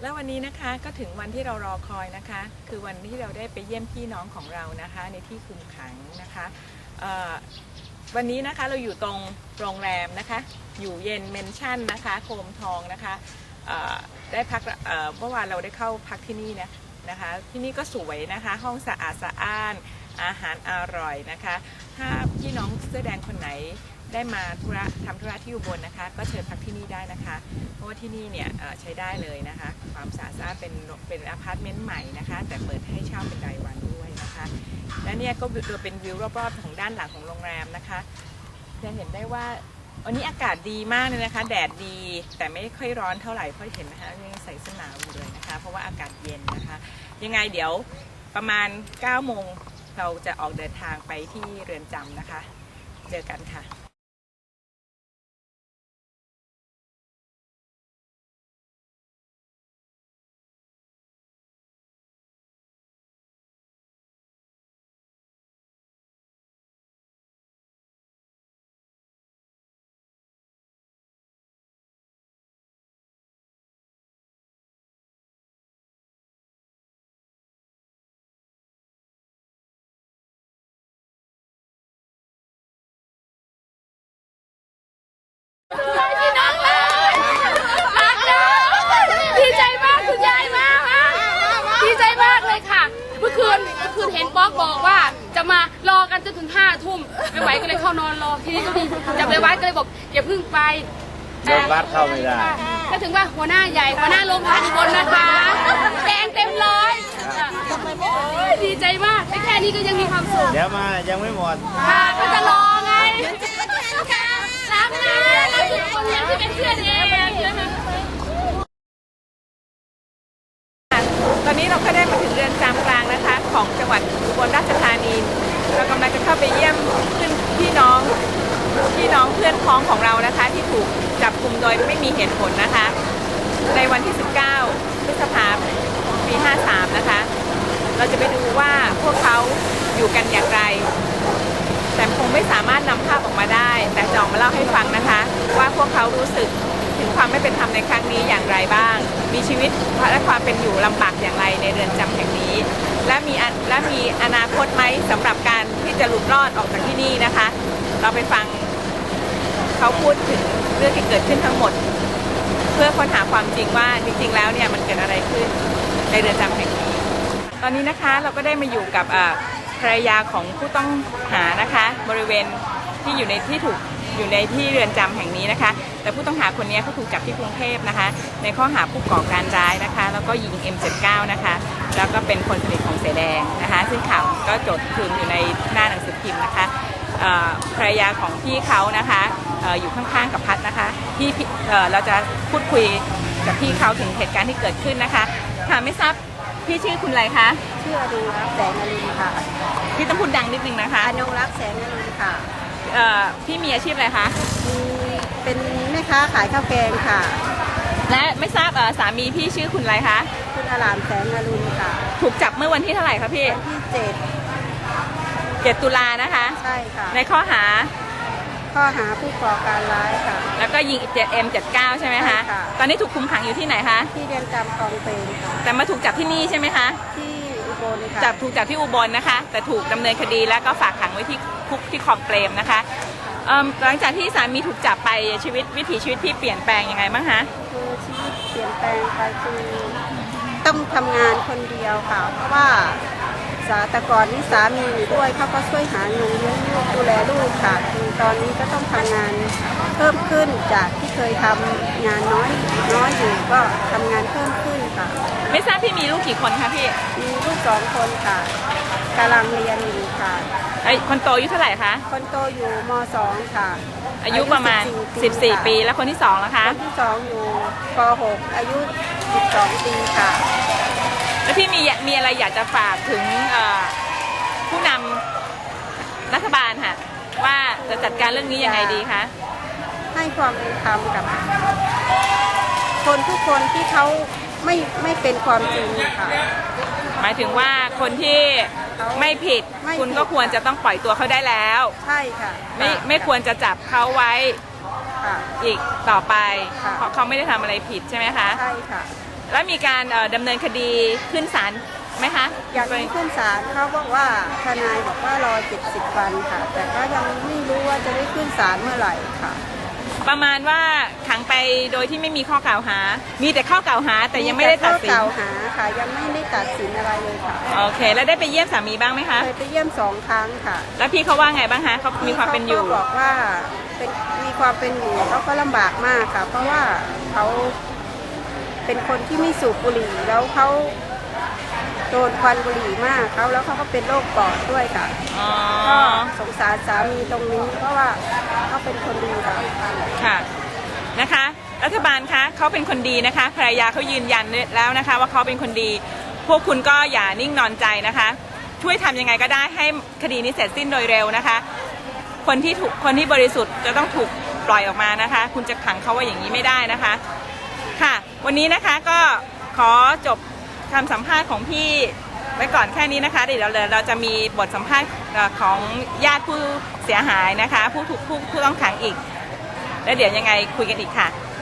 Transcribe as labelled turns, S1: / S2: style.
S1: แล้ววันนี้นะคะก็ถึงวันที่เรารอคอยนะคะคือวันที่เราได้ไปเยี่ยมพี่น้องของเรานะคะในที่คุมขังนะคะวันนี้นะคะเราอยู่ตรงโรงแรมนะคะอยู่เย็นเมนชั่นนะคะโคมทองนะคะได้พักเมื่อวานเราได้เข้าพักที่นี่นะคะที่นี่ก็สวยนะคะห้องสะอาดสะอ้านอาหารอร่อยนะคะถ้าพี่น้องเสื้อแดงคนไหนได้มาทำธุระที่อุบลนะคะก็เชิญพักที่นี่ได้นะคะเพราะว่าที่นี่เนี่ยใช้ได้เลยนะคะความสะอาดเป็นอพาร์ตเมนต์ใหม่นะคะแต่เปิดให้เช่าเป็นรายวันด้วยนะคะและเนี่ยก็เป็นวิวรอบๆของด้านหลังของโรงแรมนะคะจะเห็นได้ว่าวันนี้อากาศดีมากเลยนะคะแดดดีแต่ไม่ค่อยร้อนเท่าไหร่เพราะเห็นนะคะยังใส่เสื้อหนาวอยู่เลยนะคะเพราะว่าอากาศเย็นนะคะยังไงเดี๋ยวประมาณ9 โมงเราจะออกเดินทางไปที่เรือนจำนะคะเจอกันค่ะ
S2: พี่น้องเลยรักนะดีใจมากคุณยายมากดีใจมากเลยค่ะเมื่อคืนเห็นป๊อกบอกว่าจะมารอกันจนถึง5 ทุ่มไม่ไหวก็เลยเข้านอนรอทีนี้ก็มีจับไปวัดก็เลยบอกอย่าเพิ่งไป
S3: โรงวัดเข้าไม่ได้
S2: ก็ถึงว่าหัวหน้าใหญ่หัวหน้าโรงพยาบาลบนนะคะแดงเต็มร้อยดีใจมากแค่นี้ก็ยังมีความสุข
S3: เดี๋ยวมายังไม่หมด
S2: ค่ะก็จะรอไงรักนะรักทุกคนที่เป็นเพื่อนเอง
S1: ตอนนี้เราก็ได้มาถึงเรือนจำกลางนะคะของจังหวัดอุบลราชธานีเรากำลังจะเข้าไปเยี่ยมพี่น้องเพื่อนพ้องของเรานะคะที่ถูกจับกุมโดยไม่มีเหตุผลนะคะในวันที่19 พฤษภาคม ปี 53นะคะเราจะไปดูว่าพวกเขาอยู่กันอย่างไรแต่คงไม่สามารถนำภาพออกมาได้แต่จะออกมาเล่าให้ฟังนะคะว่าพวกเขารู้สึกถึงความไม่เป็นธรรมในครั้งนี้อย่างไรบ้างมีชีวิตและความเป็นอยู่ลำบากอย่างไรในเรือนจำแห่งนี้และมีอนาคตไหมสำหรับการที่จะหลุดรอดออกจากที่นี่นะคะเราไปฟังเขาพูดถึงเรื่องที่เกิดขึ้นทั้งหมดเพื่อค้นหาความจริงว่าจริงๆแล้วเนี่ยมันเกิดอะไรขึ้นในเรือนจำแห่งนี้ตอนนี้นะคะเราก็ได้มาอยู่กับภรรยาของผู้ต้องหานะคะบริเวณที่อยู่ในที่เรือนจำแห่งนี้นะคะแต่ผู้ต้องหาคนนี้เขาถูกจับที่กรุงเทพนะคะในข้อหาผู้ก่อการร้ายนะคะแล้วก็ยิง M79 นะคะแล้วก็เป็นคนสนิทของเสแดงนะคะซึ่งข่าวก็จดถึงอยู่ในหน้าหนังสือพิมพ์นะคะภรรยาของพี่เขานะคะอยู่ข้างๆกับพัดนะคะที่เราจะพูดคุยกับพี่เขาถึงเหตุการณ์ที่เกิดขึ้นนะคะค่ะไม่ทราบพี่ชื่อคุณอะไรคะ
S4: ชื่ออนุรักษ์แสงอรุณค่ะ
S1: พี่ต้องพูดดังนิดนึงนะคะ
S4: อนุรักษ์แสงอรุณค่ะ
S1: พี่มีอาชีพอะไรคะ
S4: เป็นแม่ค้าขายข้าวแกงค่ะ
S1: และไม่ทราบสามีพี่ชื่อคุณอะไรคะ
S4: คุณอารามแสงอรุณค่ะ
S1: ถูกจับเมื่อวันที่เท่าไหร่คะพี่
S4: วันที่
S1: 7 ตุลานะคะ
S4: ใช่ค่ะ
S1: ในข้อหา
S4: ผู้ก่อการร้ายค่ะ
S1: แล้วก็ยิง M79 ใช่ไหมคะตอนนี้ถูกคุมขังอยู่ที่ไหนคะ
S4: ที่เรือนจำคลองเตยค่ะ
S1: แต่มาถูกจับที่นี่ใช่ไหมคะ
S4: ที่อุบลค่ะ
S1: ถูกจับที่อุบลนะคะแต่ถูกดำเนินคดีแล้วก็ฝากขังไว้ที่คุกที่คลองเปรมนะคะหลังจากที่สามีถูกจับไปวิถีชีวิตพี่เปลี่ยนแปลงยังไงบ้างคะ
S4: คือชีวิตเปลี่ยนแปลงไปคือต้องทำงานคนเดียวค่ะเพราะว่าแต่ก่อนนี่สามีอยู่ด้วยเขาก็ช่วยหาเงินเลี้ยงลูกดูแลลูกค่ะคือตอนนี้ก็ต้องทำงานเพิ่มขึ้นจากที่เคยทำงานน้อยอยู่ก็ทำงานเพิ่มขึ้นค่ะ
S1: ไม่ทราบพี่มีลูกกี่คนคะพี่
S4: มีลูก2 คนค่ะกำลังเรียนอยู่ค่ะ
S1: คนโตอายุเท่าไหร่คะ
S4: คนโตอยู่ม.2 ค่ะ
S1: อายุประมาณ14 ปีแล้วคนที่2ล่ะคะ
S4: คนที่2อยู่ป.6 อายุ12 ปีค่ะ
S1: แล้วพี่มีอะไรอยากจะฝากถึงผู้นำรัฐบาลค่ะว่าจะจัดการเรื่องนี้ยังไงดีคะ
S4: ให้ความเป็นธรรมกับคนทุกคนที่เขาไม่เป็นความจริงค่ะ
S1: หมายถึงว่าคนที่ไม่ผิดคุณก็ควรจะต้องปล่อยตัวเขาได้แล้ว
S4: ใช่ค่ะ
S1: ไม่ควรจะจับเขาไว้อีกต่อไปเพราะเขาไม่ได้ทำอะไรผิดใช่ไหมคะ
S4: ใช่ค่ะ
S1: แล้วมีการดำเนินคดีขึ้นศาลไหมคะ
S4: อย่างนี้ขึ้นศาลเขาบอกว่าทนายบอกว่ารอ70 วันค่ะ แต่ก็ยังไม่รู้ว่าจะได้ขึ้นศาลเมื่อไหร่ค่ะ
S1: ประมาณว่าขังไปโดยที่ไม่มีข้อกล่าวหา มีแต่ข้อกล่าวหาแต่ยังไม่ได้ตัดสิน
S4: ข้อกล่าวหาค่ะ ยังไม่ได้ตัดสินอะไรเลยค่ะ
S1: โอเค แล้วได้ไปเยี่ยมสามีบ้างไหมคะ
S4: เคยไปเยี่ยม2 ครั้งค่ะ
S1: แล้วพี่เขาว่าไงบ้างคะเขามีความเป็นอยู่
S4: ขาก็บอกว่ามีความเป็นอยู่เขาก็ลำบากมากค่ะ เพราะว่าเขาเป็นคนที่ไม่สูบบุหรี่แล้วเขาโดนควันบุหรี่มากแล้วเขาก็เป็นโรคปอดด้วยค่ะ
S1: อ๋อ
S4: ก็สงสารสามีตรงนี้เพราะว่าเขาเป็นคนดีค่ะ
S1: ค่ะ นะคะ รัฐบาลคะเขาเป็นคนดีนะคะ ภรรยาเขายืนยันแล้วนะคะ ว่าเขาเป็นคนดี พวกคุณก็อย่านิ่งนอนใจนะคะ ช่วยทำยังไงก็ได้ให้คดีนี้เสร็จสิ้นโดยเร็วนะคะ คนที่บริสุทธิ์จะต้องถูกปล่อยออกมานะคะ คุณจะขังเขาไว้อย่างนี้ไม่ได้นะคะ ค่ะ วันนี้นะคะก็ขอจบคำสัมภาษณ์ของพี่ไว้ก่อนแค่นี้นะคะเดี๋ยวเราจะมีบทสัมภาษณ์ของญาติผู้เสียหายนะคะผู้ต้องขังอีกแล้วเดี๋ยวยังไงคุยกันอีกค่ะ